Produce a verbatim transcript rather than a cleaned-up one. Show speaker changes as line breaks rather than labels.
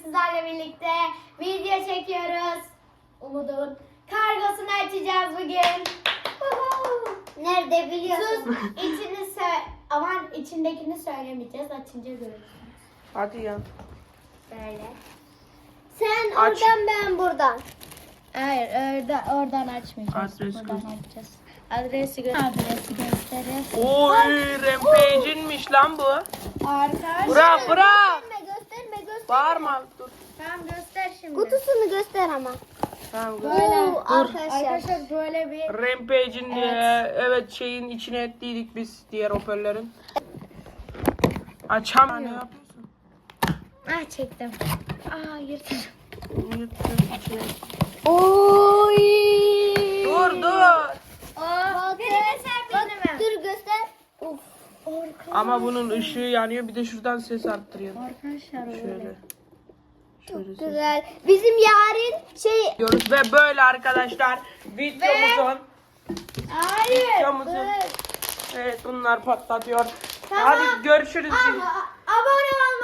sizlerle birlikte video çekiyoruz. Umut'un kargosunu açacağız bugün.
Nerede biliyorsun?
Sus, içini sö- aman içindekini söylemeyeceğiz, açınca görürsünüz.
Hadi ya.
Böyle.
Sen
Aç.
oradan ben buradan.
Hayır, orada, oradan açmayacağız.
Adres
Buradan
göster.
açacağız. Adresi, gö- Adresi gösterir.
Oy Rampage'inmiş lan bu.
Arkadaşlar.
Bırak bırak.
Gösterme gösterme gösterme.
Bağırma. Dur.
Tamam, göster şimdi.
Kutusunu göster ama.
Tamam. dur.
Böyle.
Oo, arkadaşlar.
Arkadaşlar böyle bir
Rampage'in
Evet.
evet. evet şeyin içine ettiydik biz diğer hoparlörlerin. Açam. Ne yapıyorsun?
ah çektim. Aa yırttım.
Yırttın içine.
Oy.
Dur dur.
Bakın.
Bak,
Dur göster. Uf.
Ama bunun ışığı yanıyor. Bir de şuradan ses arttırıyor.
Arkadaşlar
Şöyle.
böyle.
Şöyle ses.
Güzel. Bizim yarın şey
Diyoruz ve böyle arkadaşlar videomuzun
Hayır.
videomuzun
dur.
evet bunlar patlatıyor.
Tamam.
Hadi görüşürüz.
Ama abone